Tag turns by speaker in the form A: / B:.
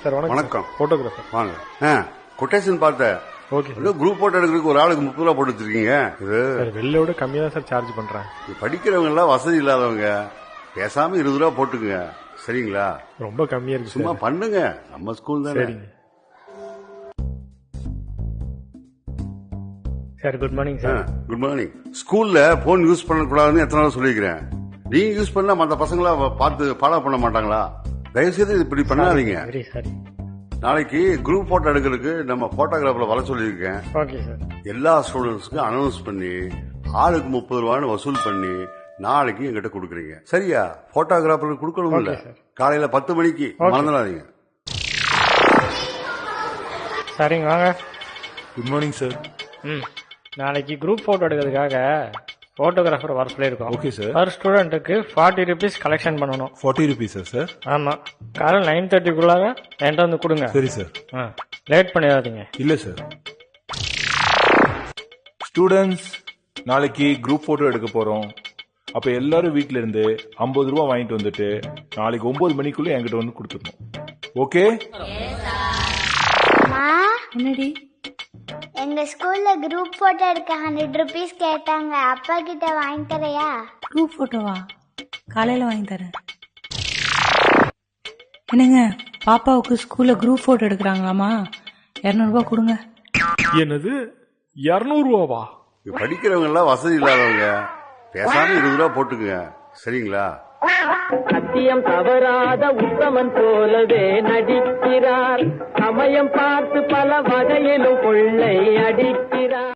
A: Sir
B: வணக்கம்.
A: Photographer
B: வாங்க. Quotation பார்த்தேன்.
A: ஓகே
B: குரூப் போட்டோ எடுக்கிறதுக்கு ஒரு ஆளுக்கு 30 ரூபா போட்டு வச்சிருக்கீங்க. இது
A: சார் வெளியோட கம்மியா தான் சார் சார்ஜ் பண்றேன்.
B: படிக்கிறவங்க எல்லாம் வசதி இல்லாதவங்க பேசாம 20 ரூபா போட்டுக்குங்க. சரிங்களா?
A: ரொம்ப கம்மியா இருக்கு.
B: சும்மா பண்ணுங்க, நம்ம ஸ்கூல் தானே.
A: சரிங்க sir. Good morning sir.
B: Good morning. ஸ்கூல்ல போன் யூஸ் பண்ணக்கூடாதுன்னு எத்தனை நாள் சொல்லிக்கிறேன். நீங்க யூஸ் பண்ணா மற்ற பசங்களா பார்த்து ஃபாலோ பண்ண மாட்டாங்களா? தயவுசெய்து இப்படி பண்ணாதீங்க.
A: சரி சரி.
B: நாளைக்கு குரூப் போட்டோ எடுக்கிறதுக்கு நம்ம போட்டோகிராஃபர்ல வர சொல்லியிருக்கேன்.
A: Okay sir.
B: எல்லா ஸ்டூடெண்ட்ஸ்க்கும் அனௌன்ஸ் பண்ணி ஆளுக்கு 30 ரூபான்னு வசூல் பண்ணி நாளைக்கு எங்கிட்ட கொடுக்குறீங்க. சரியா? போட்டோகிராஃபருக்கு கொடுக்கணும் இல்ல? காலையில 10 மணிக்கு மறந்துடாதீங்க.
A: சரிங்க வாங்க.
C: Good morning sir.
A: நாளைக்கு குரூப் போட்டோ எடுக்கிறதுக்காக போட்டோகிராஃபர் வர சொல்லியிருக்கோம்.
C: Okay sir.
A: பர் ஸ்டூடெண்ட்டுக்கு 40 rupees கலெக்ஷன் பண்ணணும்.
C: 40 rupees சார்?
A: ஆமா. காலையில் 9:30க்குள்ளாக என்கிட்ட வந்து கொடுங்க.
C: சரி சார்.
A: லேட் பண்ணிடாதீங்க.
C: இல்ல சார். ஸ்டூடெண்ட்ஸ், நாளைக்கு குரூப் போட்டோ எடுக்க போறோம். அப்ப எல்லாரும் வீட்ல இருந்து 50 ரூபா வாங்கிட்டு வந்துட்டு நாளைக்கு 9 மணிக்குள்ள என்கிட்ட வந்து கொடுத்துடணும். ஓகே?
D: என்னடி?
E: எங்க ஸ்கூல்ல குரூப் போட்டோ எடுக்க 100 rupees கேட்டாங்க. அப்பா கிட்ட வாங்கி தரையா?
D: குரூப் போட்டோவா? காலையில வாங்கி தரேன். என்னங்க, பாப்பாவுக்கு ஸ்கூல்ல குரூப் போட்டோ எடுக்கிறாங்களாமா? 200 ரூபாய் கொடுங்க.
A: என்னது 200 ரூபாவா?
B: படிக்கிறவங்க எல்லாம் வசதி இல்லாதவங்க பேசாம 20 ரூபா போட்டுக்குங்க. சரிங்களா?
F: சத்தியம் தவறாத உத்தமன் போலவே நடிக்கிறார். சமயம் பார்த்து பல வகையிலும் கொள்ளை அடிக்கிறார்.